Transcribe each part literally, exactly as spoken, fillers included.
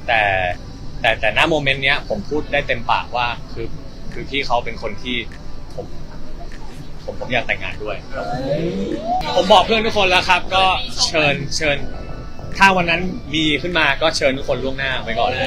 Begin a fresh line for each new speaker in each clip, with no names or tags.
แต่แต่แต่ณโมเมนต์เนี้ยผมพูดได้เต็มปากว่าคือคือพี่เขาเป็นคนที่ผมผมผมอยากแต่งงานด้วยผมบอกเพื่อนทุกคนแล้วครับก็เชิญเชิญถ้าวันนั้นมีขึ้นมาก็เชิญทุกคนล่วงหน้าไว้ก่อนเลย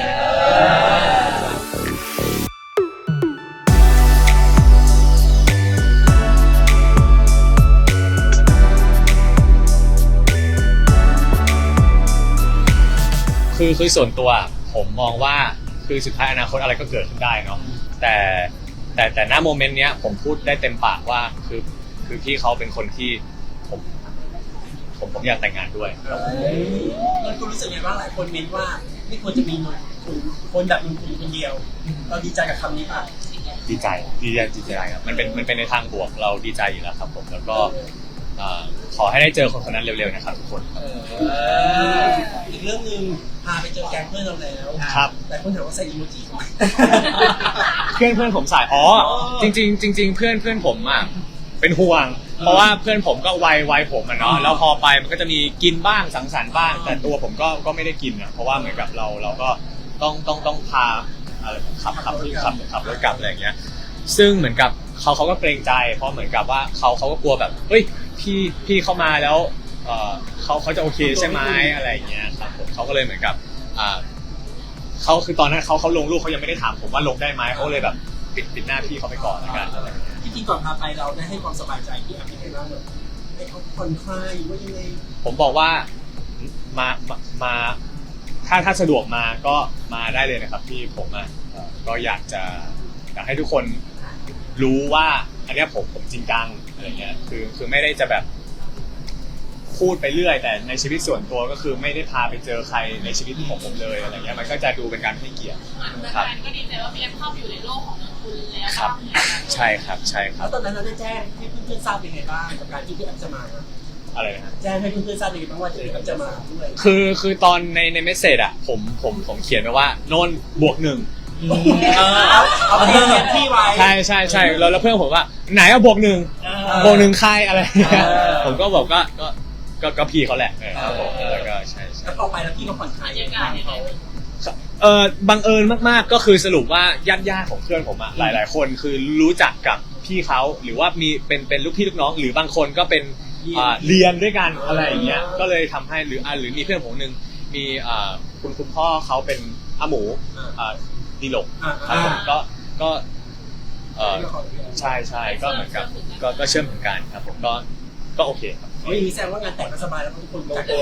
คือคือส่วนตัวผมมองว่าคือสุดท้ายอนาคตอะไรก็เกิดขึ้นได้เนาะแต่แต่แต่ณโมเมนต์เนี้ยผมพูดได้เต็มปากว่าคือคือพี่เขาเป็นคนที่ผมผมผมอยากแต่งงานด้วย
มันคุณรู้สึกไงบ้างหลายคนเม้นว่าไม่ควรจะมีคุณคนแบบมึงคุณคนเดียวเราดีใจกับคำนี้ป่ะ
ดีใจดีใจดีใจครับมันเป็นมันเป็นในทางบวกเราดีใจอยู่แล้วครับผมแล้วก็ขอให้ได้เจอคนคนนั้นเร็วๆนะครับทุกคน
อีกเรื่องนึงพาไปเจอแก๊งเพื่อนเราแล้ว
ครับ
แต่คนถามว่าใส่อีโมจิทำไม
เพื่อนเพื่อนผมใส่อ๋อจริงๆจริงๆเพื่อนเพื่อนผมอ่ะเป็นห่วงเพราะว่าเพื่อนผมก็วัยวัยผมอ่ะเนาะแล้วพอไปมันก็จะมีกินบ้างสังสรรค์บ้างแต่ตัวผมก็ก็ไม่ได้กินนะเพราะว่าเหมือนกับเราเราก็ต้องต้องต้องพาขับขับขับขับรถกลับอะไรอย่างเงี้ยซึ่งเหมือนกับเขาเขาก็เกรงใจเพราะเหมือนกับว่าเขาเขาก็กลัวแบบเฮ้ยพี่พี่เข้ามาแล้วเออเขาเขาจะโอเคใช่ไหมอะไรอย่างเงี้ยครับผมเขาก็เลยเหมือนกับอ่าเขาคือตอนนั้นเขาเขาลงรูปเขายังไม่ได้ถามผมว่าลงได้ไหมเขาเลยแบบปิดปิดหน้าพี่เขาไปก่อนแล้วกันอะไร
ที่จริงก่อนพาไปเราได้ให้ความสบายใจที่อ่ะเป็นไงบ้างแบบให้เขาผ่อนคลายว่ายังไง
ผมบอกว่ามามามาถ้าถ้าสะดวกมาก็มาได้เลยนะครับพี่ผมอ่ะก็อยากจะอยากให้ทุกคนรู้ว่าอันนี้ผมผมจริงจังอะไรเงี้ยคือคือไม่ได้จะแบบพูดไปเรื่อยแต่ในชีวิตส่วนตัวก็คือไม่ได้พาไปเจอใครในชีวิตของผมเลยอะไรเงี้ยมันก็จะดูเป็นการให้เกียรติ
ครับก็ดีใจว่าพี่เอ็มเข้าไปอยู่ในโลกของคุณแล้ว
ครับใช่ครับใช่ครับ
แล้วตอนนั้นเราได้แจ้งให้เพื่อนๆทราบเป็นไงบ้างกับการที่พี่เอ็มจะมา
อะไรนะ
แจ้งให้เพื่อนๆทราบเป็นไงบ้างว่าพี่เอ็มจะมาด้วย
คือคือตอนในในเมสเซจอ่ะผมผมผมเขียนไว้ว่านนท์บวกหนึ่ง
เอาเพื่อนที่ไว้
ใช่ใช่ใช่แล้วแล้วเพื่อนผมว่าไหนเอาบวกหนึ่งบวกหนึ่งใครอะไรผมก็บอกก็ก็ก็ก็พี่เขาแหละครับผมแล้วก็ใช่ใช่
แล้วพอไปแล้วพี่ก็ผ่อนคลายยังไง
เออบังเอิญมากๆก็คือสรุปว่าญาติญาติของเพื่อนผมอะหลายๆคนคือรู้จักกับพี่เขาหรือว่ามีเป็นเป็นลูกพี่ลูกน้องหรือบางคนก็เป็นเรียนด้วยกันอะไรอย่างเงี้ยก็เลยทำให้หรือหรือมีเพื่อนผมนึงมีคุณคุณพ่อเขาเป็นอาหมูดีหลกครับผมก็ก็เออใช่ใช่ก็เหมือนกับก็ก็เชื่อมถึงกันครับผมก็ก็โอเคครับ
ไม่มีแสดงว่างานแต่งก็สบายแล้วทุกคนลงตัว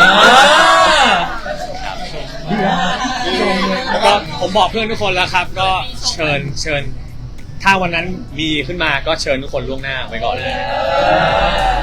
แล้วก็ผมบอกเพื่อนทุกคนแล้วครับก็เชิญเชิญถ้าวันนั้นมีขึ้นมาก็เชิญทุกคนล่วงหน้าไว้ก่อนเลย